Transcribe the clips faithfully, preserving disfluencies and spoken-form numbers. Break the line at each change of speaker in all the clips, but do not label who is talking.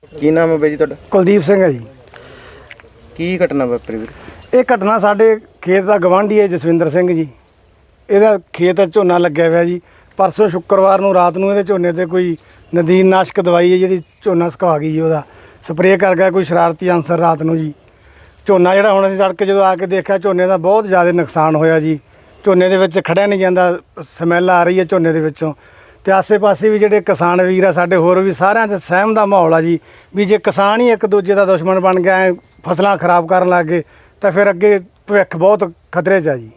ਕੀ ਨਾਮ ਹੈ ਬਾਈ ਜੀ ਤੁਹਾਡਾ?
ਕੁਲਦੀਪ ਸਿੰਘ ਹੈ ਜੀ।
ਕੀ ਘਟਨਾ ਵਾਪਰੀ ਵੀਰ?
ਇਹ ਘਟਨਾ ਸਾਡੇ ਖੇਤ ਦਾ ਗਵਾਂਢੀ ਹੈ ਜਸਵਿੰਦਰ ਸਿੰਘ ਜੀ। ਇਹਦਾ ਖੇਤ ਝੋਨਾ ਲੱਗਿਆ ਹੋਇਆ ਜੀ। ਪਰਸੋਂ ਸ਼ੁੱਕਰਵਾਰ ਨੂੰ ਰਾਤ ਨੂੰ ਇਹਦੇ ਝੋਨੇ ਤੇ ਕੋਈ ਨਦੀਨ ਨਾਸ਼ਕ ਦਵਾਈ ਹੈ ਜਿਹੜੀ ਝੋਨਾ ਸੁਕਾ ਗਈ ਜੀ। ਉਹਦਾ ਸਪਰੇਅ ਕਰ ਗਿਆ ਕੋਈ ਸ਼ਰਾਰਤੀ ਅਨਸਰ ਰਾਤ ਨੂੰ ਜੀ। ਝੋਨਾ ਜਿਹੜਾ ਹੁਣ ਅਸੀਂ ਸੜਕ ਜਦੋਂ ਆ ਕੇ ਦੇਖਿਆ ਝੋਨੇ ਦਾ ਬਹੁਤ ਜ਼ਿਆਦਾ ਨੁਕਸਾਨ ਹੋਇਆ ਜੀ। ਝੋਨੇ ਦੇ ਵਿੱਚ ਖੜਿਆ ਨਹੀਂ ਜਾਂਦਾ, ਸਮੈਲ ਆ ਰਹੀ ਹੈ ਝੋਨੇ ਦੇ ਵਿੱਚੋਂ। ਤੇ ਆਸੇ ਪਾਸੇ ਵੀ ਜਿਹੜੇ ਕਿਸਾਨ ਵੀਰ ਆ ਸਾਡੇ ਹੋਰ ਵੀ ਸਾਰਿਆਂ 'ਚ ਸਹਿਮ ਦਾ ਮਾਹੌਲ ਆ ਜੀ ਵੀ ਜੇ ਕਿਸਾਨ ਹੀ ਇੱਕ ਦੂਜੇ ਦਾ ਦੁਸ਼ਮਣ ਬਣ ਗਿਆ, ਐਂ ਫਸਲਾਂ ਖਰਾਬ ਕਰਨ ਲੱਗ ਗਏ ਤਾਂ ਫਿਰ ਅੱਗੇ ਭਵਿੱਖ ਬਹੁਤ ਖਤਰੇ 'ਚ ਆ ਜੀ।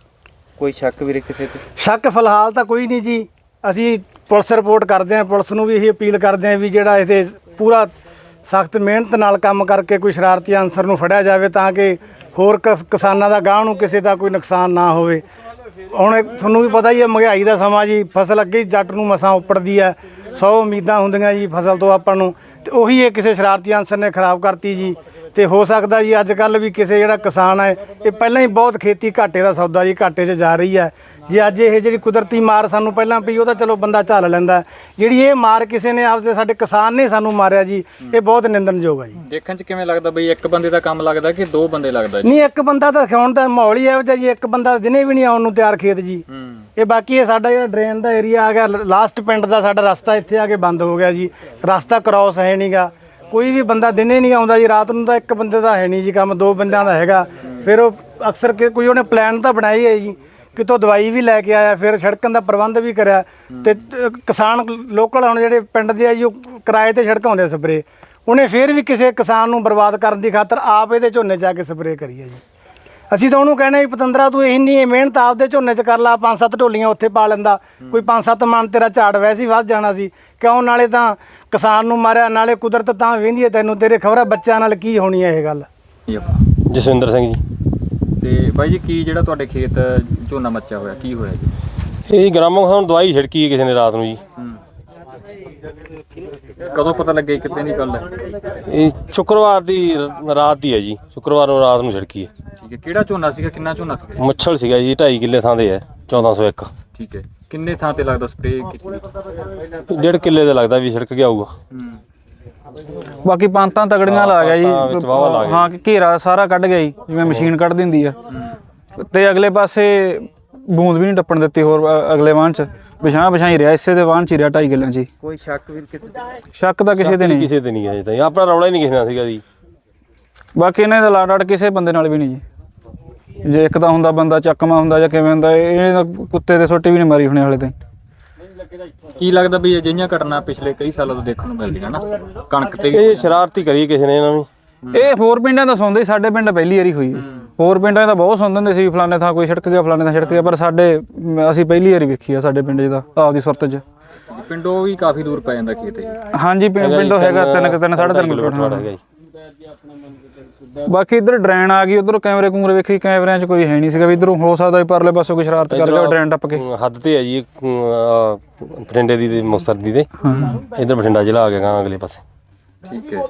ਕੋਈ ਸ਼ੱਕ ਵੀਰੇ ਕਿਸੇ ਤੇ?
ਸ਼ੱਕ ਫਿਲਹਾਲ ਤਾਂ ਕੋਈ ਨਹੀਂ ਜੀ। ਅਸੀਂ ਪੁਲਿਸ ਰਿਪੋਰਟ ਕਰਦੇ ਹਾਂ, ਪੁਲਿਸ ਨੂੰ ਵੀ ਇਹ ਅਪੀਲ ਕਰਦੇ ਹਾਂ ਵੀ ਜਿਹੜਾ ਇਹਦੇ ਪੂਰਾ ਸਖਤ ਮਿਹਨਤ ਨਾਲ ਕੰਮ ਕਰਕੇ ਕੋਈ ਸ਼ਰਾਰਤੀ ਅਨਸਰ ਨੂੰ ਫੜਿਆ ਜਾਵੇ ਤਾਂ ਕਿ ਹੋਰ ਕਿਸ ਕਿਸਾਨਾਂ ਦਾ ਗਾਂਹ ਨੂੰ ਕਿਸੇ ਦਾ ਕੋਈ ਨੁਕਸਾਨ ਨਾ ਹੋਵੇ। ਹੁਣ ਤੁਹਾਨੂੰ ਵੀ ਪਤਾ ਹੀ ਹੈ ਮਹਿੰਗਾਈ ਦਾ ਸਮਾਂ ਜੀ। ਫਸਲ ਅੱਗੇ ਜੱਟ ਨੂੰ ਮਸਾਂ ਉੱਪੜਦੀ ਹੈ, ਸੌ ਉਮੀਦਾਂ ਹੁੰਦੀਆਂ ਜੀ ਫਸਲ ਤੋਂ ਆਪਾਂ ਨੂੰ, ਤੇ ਉਹੀ ਇਹ ਕਿਸੇ ਸ਼ਰਾਰਤੀ ਅਨਸਰ ਨੇ ਖਰਾਬ ਕਰਤੀ ਜੀ। ਤੇ ਹੋ ਸਕਦਾ ਜੀ ਅੱਜ ਕੱਲ੍ਹ ਵੀ ਕਿਸੇ ਜਿਹੜਾ ਕਿਸਾਨ ਹੈ ਇਹ ਪਹਿਲਾਂ ਹੀ ਬਹੁਤ ਖੇਤੀ ਘਾਟੇ ਦਾ ਸੌਦਾ ਜੀ, ਘਾਟੇ 'ਚ ਜਾ ਰਹੀ ਹੈ ਜੇ ਅੱਜ ਇਹ ਜਿਹੜੀ ਕੁਦਰਤੀ ਮਾਰ ਸਾਨੂੰ ਪਹਿਲਾਂ ਪਈ ਉਹ ਤਾਂ ਚਲੋ ਬੰਦਾ ਝੱਲ ਲੈਂਦਾ, ਜਿਹੜੀ ਇਹ ਮਾਰ ਕਿਸੇ ਨੇ ਆਪਦੇ ਸਾਡੇ ਕਿਸਾਨ ਨੇ ਸਾਨੂੰ ਮਾਰਿਆ ਜੀ, ਇਹ ਬਹੁਤ ਨਿੰਦਣਯੋਗ ਹੈ ਜੀ।
ਦੇਖਣ 'ਚ ਕਿਵੇਂ ਲੱਗਦਾ ਬਈ ਇੱਕ ਬੰਦੇ ਦਾ ਕੰਮ ਲੱਗਦਾ ਕਿ ਦੋ ਬੰਦੇ ਲੱਗਦਾ ਜੀ?
ਨਹੀਂ, ਇੱਕ ਬੰਦਾ ਤਾਂ ਖਾਉਣ ਦਾ ਮਾਹੌਲ ਹੀ ਇਹੋ ਜਿਹਾ ਜੀ। ਇੱਕ ਬੰਦਾ ਦਿਨੇ ਵੀ ਨਹੀਂ ਆਉਣ ਨੂੰ ਤਿਆਰ ਖੇਤ ਜੀ। ਇਹ ਬਾਕੀ ਇਹ ਸਾਡਾ ਜਿਹੜਾ ਡਰੇਨ ਦਾ ਏਰੀਆ ਆ ਗਿਆ, ਲਾਸਟ ਪਿੰਡ ਦਾ ਸਾਡਾ ਰਸਤਾ ਇੱਥੇ ਆ ਕੇ ਬੰਦ ਹੋ ਗਿਆ ਜੀ। ਰਸਤਾ ਕ੍ਰੋਸ ਹੈ ਨਹੀਂ ਗਾ, ਕੋਈ ਵੀ ਬੰਦਾ ਦਿਨੇ ਨਹੀਂ ਆਉਂਦਾ ਜੀ। ਰਾਤ ਨੂੰ ਤਾਂ ਇੱਕ ਬੰਦੇ ਦਾ ਹੈ ਨਹੀਂ ਜੀ ਕੰਮ, ਦੋ ਬੰਦਿਆਂ ਦਾ ਹੈਗਾ। ਫਿਰ ਉਹ ਅਕਸਰ ਕਿ ਕੋਈ ਉਹਨੇ ਪਲਾਨ ਤਾਂ ਬਣਾਈ ਹੈ ਜੀ, ਕਿਤੋਂ ਦਵਾਈ ਵੀ ਲੈ ਕੇ ਆਇਆ, ਫਿਰ ਸੜਕਾਂ ਦਾ ਪ੍ਰਬੰਧ ਵੀ ਕਰਿਆ। ਤੇ ਕਿਸਾਨ ਲੋਕਲ ਹੁਣ ਜਿਹੜੇ ਪਿੰਡ ਦੇ ਆ ਜੀ ਉਹ ਕਿਰਾਏ ਤੇ ਛੜਕਾਉਂਦੇ ਸਪਰੇ, ਉਹਨੇ ਫਿਰ ਵੀ ਕਿਸੇ ਕਿਸਾਨ ਨੂੰ ਬਰਬਾਦ ਕਰਨ ਦੀ ਖਾਤਰ ਆਪ ਇਹਦੇ ਝੋਨੇ 'ਚ ਆ ਕੇ ਸਪਰੇ ਕਰੀ ਹੈ ਜੀ। ਅਸੀਂ ਤਾਂ ਉਹਨੂੰ ਕਹਿੰਦੇ ਵੀ ਪਤੰਦਰਾ ਤੂੰ ਇੰਨੀ ਮਿਹਨਤ ਆਪਦੇ ਝੋਨੇ 'ਚ ਕਰ ਲਾ, ਪੰਜ ਸੱਤ ਢੋਲੀਆਂ ਉੱਥੇ ਪਾ ਲੈਂਦਾ, ਕੋਈ ਪੰਜ ਸੱਤ ਮਣ ਤੇਰਾ ਝਾੜ ਵੈਸੇ ਹੀ ਵੱਧ ਜਾਣਾ ਸੀ। ਕਿਉਂ ਨਾਲੇ ਤਾਂ ਕਿਸਾਨ ਨੂੰ ਮਾਰਿਆ, ਨਾਲੇ ਕੁਦਰਤ ਤਾਂ ਵਹਿੰਦੀ ਹੈ ਤੈਨੂੰ, ਤੇਰੇ ਖਬਰਾਂ ਬੱਚਿਆਂ ਨਾਲ ਕੀ ਹੋਣੀ ਹੈ ਇਹ ਗੱਲ।
ਜਸਵਿੰਦਰ ਸਿੰਘ ਜੀ।
ਤੇ ਬਾਈ ਜੀ ਕੀ ਜਿਹੜਾ ਤੁਹਾਡੇ ਖੇਤ ਝੋਨਾ ਮੱਚਿਆ ਹੋਇਆ ਕੀ ਹੋਇਆ ਜੀ?
ਇਹ ਗ੍ਰਾਮੋ ਸਾਨੂੰ ਦਵਾਈ ਛਿੜਕੀ ਹੈ ਕਿਸੇ ਨੇ ਰਾਤ ਨੂੰ ਜੀ।
ਕਦੋਂ ਪਤਾ ਲੱਗਿਆ ਕਿਤੇ ਨਹੀਂ ਗੱਲ?
ਇਹ ਸ਼ੁੱਕਰਵਾਰ ਦੀ ਰਾਤ ਦੀ ਹੈ ਜੀ, ਸ਼ੁੱਕਰਵਾਰ ਨੂੰ ਰਾਤ ਨੂੰ ਛਿੜਕੀ ਹੈ।
ਠੀਕ ਹੈ, ਕਿਹੜਾ ਝੋਨਾ ਸੀਗਾ, ਕਿੰਨਾ ਝੋਨਾ ਸੀਗਾ?
ਮੁੱਛਲ ਸੀਗਾ ਜੀ, ਢਾਈ ਕਿੱਲੇ ਥਾਂ ਦੇ ਹੈ, ਚੌਦਾਂ ਸੌ ਇੱਕ।
ਠੀਕ ਹੈ, ਕਿੰਨੇ ਥਾਂ ਤੇ ਲੱਗਦਾ ਸਪਰੇਅ ਕੀਤੀ?
ਡੇਢ ਕਿੱਲੇ ਦਾ ਲੱਗਦਾ ਵੀ ਛਿੜਕ ਗਿਆ ਹੋਊਗਾ।
ਬਾਕੀ ਪੰਤਾਂ ਤਗੜੀਆਂ ਲਾ ਗਿਆ ਜੀ। ਹਾਂ, ਘੇਰਾ ਸਾਰਾ ਕੱਢ ਗਿਆ ਜੀ, ਜਿਵੇਂ ਮਸ਼ੀਨ ਕੱਢ ਦਿੰਦੀ ਆ। ਤੇ ਅਗਲੇ ਪਾਸੇ ਬੂੰਦ ਵੀ ਨਹੀਂ ਟੱਪਣ ਦਿੱਤੀ ਹੋਰ ਅਗਲੇ ਵਾਹਨ 'ਚ, ਵਿਛਾਂ ਵਿਛਾਈ ਰਿਹਾ ਇਸੇ ਦੇ ਵਾਹਨ 'ਚ ਹੀ ਰਿਹਾ ਢਾਈ ਕਿੱਲਿਆਂ 'ਚ।
ਕੋਈ ਸ਼ੱਕ ਵੀਰ ਕਿਸੇ ਤੇ?
ਸ਼ੱਕ ਤਾਂ ਕਿਸੇ ਤੇ ਨਹੀਂ,
ਕਿਸੇ ਤੇ ਨਹੀਂ ਹੈ ਜੀ, ਆਪਣਾ ਰੌਲਾ ਹੀ ਨਹੀਂ ਕਿਸੇ ਨਾਲ ਸੀਗਾ ਜੀ।
ਬਾਕੀ ਇਹਨਾਂ ਦਾ ਲਾੜ ਕਿਸੇ ਬੰਦੇ ਨਾਲ ਵੀ ਨਹੀਂ ਜੀ। ਜੇ ਇੱਕ ਤਾਂ ਹੁੰਦਾ ਬੰਦਾ ਚੱਕਮਾ ਹੁੰਦਾ ਜਾਂ ਕਿਵੇਂ ਹੁੰਦਾ, ਇਹ ਕੁੱਤੇ ਦੇ ਸੋਟੀ ਵੀ ਨਹੀਂ ਮਾਰੀ ਹੋਣੇ ਹਾਲੇ ਤਾਈਂ।
ਕੀ ਲੱਗਦਾ ਵੀ ਅਜਿਹੀਆਂ ਘਟਨਾ ਪਿਛਲੇ ਕਈ ਸਾਲਾਂ ਤੋਂ ਦੇਖਣ ਨੂੰ ਮਿਲਦੀਆਂ ਨਾ ਕਣਕ ਤੇ?
ਇਹ ਸ਼ਰਾਰਤੀ ਕਰੀ ਕਿਸੇ ਨੇ ਇਹਨਾਂ ਨੂੰ।
ਇਹ ਹੋਰ ਪਿੰਡਾਂ ਦਾ ਸੁਣਦੇ, ਸਾਡੇ ਪਿੰਡ ਪਹਿਲੀ ਵਾਰੀ ਹੋਈ। ਹੋਰ ਪਿੰਡਾਂ ਦਾ ਬਹੁਤ ਸੁਣਦੇ ਹੁੰਦੇ ਸੀ ਫਲਾਣੇ ਥਾਂ ਕੋਈ ਛਿੜਕ ਗਿਆ, ਫਲਾਣੇ ਥਾਂ ਛਿੜਕ ਗਿਆ, ਪਰ ਸਾਡੇ ਅਸੀਂ ਪਹਿਲੀ ਵਾਰੀ ਵੇਖੀ ਆ ਸਾਡੇ ਪਿੰਡ 'ਚ ਤਾਂ ਆਪਦੀ ਸੁਰਤ 'ਚ।
ਪਿੰਡੋਂ ਵੀ ਕਾਫੀ ਦੂਰ ਪੈ ਜਾਂਦਾ ਖੇਤ?
ਹਾਂਜੀ, ਪਿੰਡੋਂ ਹੈਗਾ ਤਿੰਨ ਤਿੰਨ ਸਾਢੇ ਤਿੰਨ ਕਿਲੋਮੀਟਰ ਹੈਗਾ ਜੀ। ਬਾਕੀ ਇੱਧਰ ਡਰੇਨ ਆ ਗਈ, ਉਧਰੋਂ ਕੈਮਰੇ ਕੂਮਰੇ ਵੇਖੀ, ਕੈਮਰਿਆਂ 'ਚ ਕੋਈ ਹੈ ਨਹੀਂ ਸੀਗਾ ਵੀ ਇੱਧਰੋਂ ਹੋ ਸਕਦਾ ਵੀ ਪਰਲੇ ਪਾਸੋਂ ਕੋਈ ਸ਼ਰਾਰਤ ਕਰ ਗਿਆ ਡਰੇਨ ਟੱਪ ਕੇ।
ਹੱਦ ਤੇ ਹੈ ਜੀ ਬਠਿੰਡੇ ਦੀ ਤੇ ਮੁਕਤਸਰ ਦੀ ਤੇ ਇੱਧਰ ਬਠਿੰਡਾ ਜ਼ਿਲ੍ਹਾ ਆ ਗਿਆ ਅਗਲੇ ਪਾਸੇ।
ਠੀਕ ਹੈ,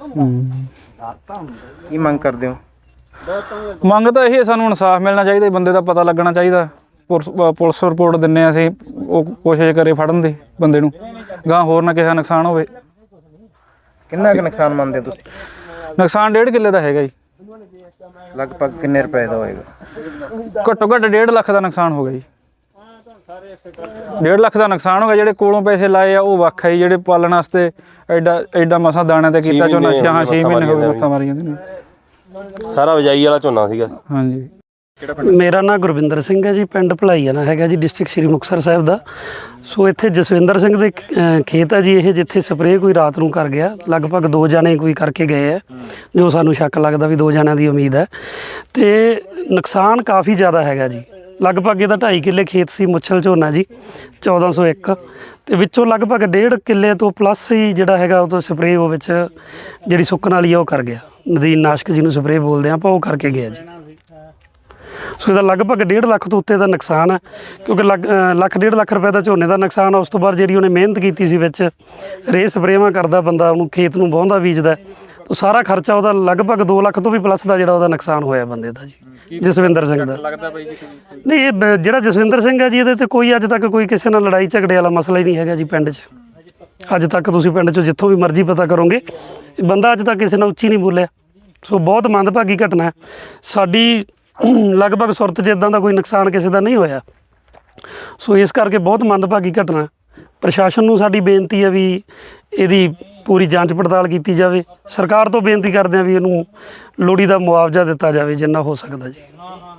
ਕੀ ਮੰਗ ਕਰਦੇ ਹੋ?
ਮੰਗ ਤਾਂ ਇਹ ਸਾਨੂੰ ਇਨਸਾਫ ਮਿਲਣਾ ਚਾਹੀਦਾ, ਬੰਦੇ ਦਾ ਪਤਾ ਲੱਗਣਾ ਚਾਹੀਦਾ। ਪੁਲਿਸ ਰਿਪੋਰਟ ਦਿੰਦੇ ਹਾਂ ਅਸੀਂ, ਉਹ ਕੋਸ਼ਿਸ਼ ਕਰੇ ਫੜਨ ਦੀ ਬੰਦੇ ਨੂੰ, ਗਾਂ ਹੋਰ ਨਾ ਕਿਸੇ ਦਾ ਨੁਕਸਾਨ ਹੋਵੇ।
ਕਿੰਨਾ ਕੁ ਨੁਕਸਾਨ ਮੰਨਦੇ ਤੁਸੀਂ?
ਨੁਕਸਾਨ ਡੇਢ ਕਿੱਲੇ ਦਾ ਹੈਗਾ ਜੀ।
ਲਗਭਗ ਕਿੰਨੇ ਰੁਪਏ ਦਾ ਹੋਏਗਾ?
ਘੱਟੋ ਘੱਟ ਡੇਢ ਲੱਖ ਦਾ ਨੁਕਸਾਨ ਹੋ ਗਿਆ ਜੀ। ਡੇਢ ਲੱਖ ਦਾ ਨੁਕਸਾਨ ਹੋ ਗਿਆ। ਜਿਹੜੇ ਕੋਲੋਂ ਪੈਸੇ ਲਾਏ ਆ ਉਹ ਵੱਖ ਹੈ ਜੀ, ਜਿਹੜੇ ਪਾਲਣ ਵਾਸਤੇ ਐਡਾ ਐਡਾ ਮਸਾਂ ਦਾਣੇ ਤੇ ਕੀਤਾ ਝੋਨਾ, ਹਾਂ ਛੇ ਮਹੀਨੇ ਹੋ ਗਏ ਮੱਥਾ ਮਾਰੀ ਜਾਂਦੇ ਨੇ।
ਸਾਰਾ ਵਜਾਈ ਵਾਲਾ ਝੋਨਾ ਸੀਗਾ।
ਹਾਂਜੀ।
ਮੇਰਾ ਨਾਮ ਗੁਰਵਿੰਦਰ ਸਿੰਘ ਹੈ ਜੀ, ਪਿੰਡ ਭਲਾਈਆਣਾ ਹੈਗਾ ਜੀ, ਡਿਸਟ੍ਰਿਕਟ ਸ਼੍ਰੀ ਮੁਕਤਸਰ ਸਾਹਿਬ ਦਾ। ਸੋ ਇੱਥੇ ਜਸਵਿੰਦਰ ਸਿੰਘ ਦੇ ਖੇਤ ਆ ਜੀ ਇਹ, ਜਿੱਥੇ ਸਪਰੇਅ ਕੋਈ ਰਾਤ ਨੂੰ ਕਰ ਗਿਆ। ਲਗਭਗ ਦੋ ਜਾਣੇ ਕੋਈ ਕਰਕੇ ਗਏ ਆ, ਜੋ ਸਾਨੂੰ ਸ਼ੱਕ ਲੱਗਦਾ ਵੀ ਦੋ ਜਣਿਆਂ ਦੀ ਉਮੀਦ ਹੈ। ਤੇ ਨੁਕਸਾਨ ਕਾਫੀ ਜ਼ਿਆਦਾ ਹੈਗਾ ਜੀ। ਲਗਭਗ ਇਹਦਾ ਢਾਈ ਕਿੱਲੇ ਖੇਤ ਸੀ, ਮੁੱਛਲ ਝੋਨਾ ਜੀ, ਚੌਦਾਂ ਸੌ ਇੱਕ। ਅਤੇ ਵਿੱਚੋਂ ਲਗਭਗ ਡੇਢ ਕਿੱਲੇ ਤੋਂ ਪਲੱਸ ਹੀ ਜਿਹੜਾ ਹੈਗਾ ਉਹ ਤੋਂ ਸਪਰੇਅ ਉਹ ਵਿੱਚ ਜਿਹੜੀ ਸੁੱਕਣ ਵਾਲੀ ਆ ਉਹ ਕਰ ਗਿਆ। ਨਦੀਨ ਨਾਸ਼ਕ ਜਿਹਨੂੰ ਸਪਰੇਅ ਬੋਲਦੇ ਆਪਾਂ, ਉਹ ਕਰਕੇ ਗਿਆ ਜੀ। ਸੋ ਇਹਦਾ ਲਗਭਗ ਡੇਢ ਲੱਖ ਤੋਂ ਉੱਤੇ ਦਾ ਨੁਕਸਾਨ ਹੈ, ਕਿਉਂਕਿ ਲੱਗ ਲੱਖ ਡੇਢ ਲੱਖ ਰੁਪਏ ਦਾ ਝੋਨੇ ਦਾ ਨੁਕਸਾਨ ਆ। ਉਸ ਤੋਂ ਬਾਅਦ ਜਿਹੜੀ ਉਹਨੇ ਮਿਹਨਤ ਕੀਤੀ ਸੀ ਵਿੱਚ ਰੇਹ ਸਪਰੇਵਾਂ ਕਰਦਾ ਬੰਦਾ, ਉਹਨੂੰ ਖੇਤ ਨੂੰ ਵਾਹੁੰਦਾ ਬੀਜਦਾ, ਤਾਂ ਸਾਰਾ ਖਰਚਾ ਉਹਦਾ ਲਗਭਗ ਦੋ ਲੱਖ ਤੋਂ ਵੀ ਪਲੱਸ ਦਾ ਜਿਹੜਾ ਉਹਦਾ ਨੁਕਸਾਨ ਹੋਇਆ ਬੰਦੇ ਦਾ ਜੀ, ਜਸਵਿੰਦਰ ਸਿੰਘ ਦਾ। ਨਹੀਂ, ਇਹ ਜਿਹੜਾ ਜਸਵਿੰਦਰ ਸਿੰਘ ਹੈ ਜੀ, ਇਹਦੇ 'ਤੇ ਕੋਈ ਅੱਜ ਤੱਕ ਕੋਈ ਕਿਸੇ ਨਾਲ ਲੜਾਈ ਝਗੜੇ ਵਾਲਾ ਮਸਲਾ ਹੀ ਨਹੀਂ ਹੈਗਾ ਜੀ ਪਿੰਡ 'ਚ। ਅੱਜ ਤੱਕ ਤੁਸੀਂ ਪਿੰਡ 'ਚੋਂ ਜਿੱਥੋਂ ਵੀ ਮਰਜ਼ੀ ਪਤਾ ਕਰੋਗੇ, ਬੰਦਾ ਅੱਜ ਤੱਕ ਕਿਸੇ ਨਾਲ ਉੱਚੀ ਨਹੀਂ ਬੋਲਿਆ। ਸੋ ਬਹੁਤ ਮੰਦਭਾਗੀ ਘਟਨਾ ਹੈ। ਸਾਡੀ ਲਗਭਗ ਸੁਰਤ 'ਚ ਇੱਦਾਂ ਦਾ ਕੋਈ ਨੁਕਸਾਨ ਕਿਸੇ ਦਾ ਨਹੀਂ ਹੋਇਆ। ਸੋ ਇਸ ਕਰਕੇ ਬਹੁਤ ਮੰਦਭਾਗੀ ਘਟਨਾ। ਪ੍ਰਸ਼ਾਸਨ ਨੂੰ ਸਾਡੀ ਬੇਨਤੀ ਹੈ ਵੀ ਇਹਦੀ ਪੂਰੀ ਜਾਂਚ ਪੜਤਾਲ ਕੀਤੀ ਜਾਵੇ। ਸਰਕਾਰ ਤੋਂ ਬੇਨਤੀ ਕਰਦੇ ਹਾਂ ਵੀ ਇਹਨੂੰ ਲੋੜੀਂਦਾ ਮੁਆਵਜ਼ਾ ਦਿੱਤਾ ਜਾਵੇ ਜਿੰਨਾ ਹੋ ਸਕਦਾ ਜੀ।